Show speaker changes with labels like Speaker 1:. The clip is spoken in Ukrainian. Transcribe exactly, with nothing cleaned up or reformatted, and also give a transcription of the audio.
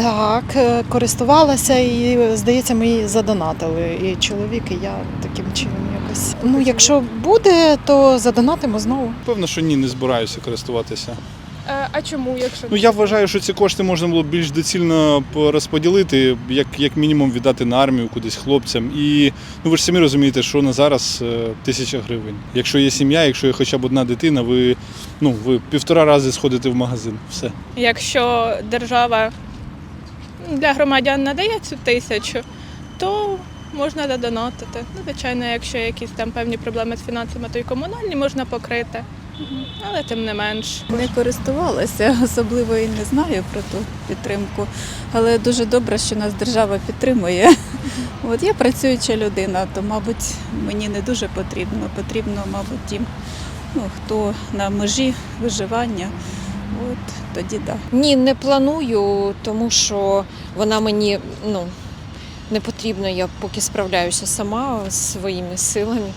Speaker 1: Так, е, користувалася і, здається, ми її задонатили. І чоловік, і я таким чином якось. Ну, якщо буде, то задонатимо знову.
Speaker 2: Певно, що ні, не збираюся користуватися.
Speaker 3: Е, А чому, якщо
Speaker 2: Ну, я вважаю, що ці кошти можна було б більш доцільно розподілити, як, як мінімум віддати на армію кудись хлопцям. І ну, ви ж самі розумієте, що на зараз е, тисяча гривень. Якщо є сім'я, якщо є хоча б одна дитина, ви, ну, ви півтора рази сходите в магазин. Все.
Speaker 3: якщо держава для громадян надає цю тисячу, то можна додонатити. Ну, звичайно, якщо якісь там певні проблеми з фінансами, то й комунальні можна покрити. Але тим не менш.
Speaker 4: Не користувалася, особливо і не знаю про ту підтримку, але дуже добре, що нас держава підтримує. От я працююча людина, то, мабуть, мені не дуже потрібно. Потрібно, мабуть, тим, ну, хто на межі виживання. От тоді так. Да.
Speaker 5: Ні, не планую, тому що вона мені ну, не потрібна, я поки справляюся сама своїми силами.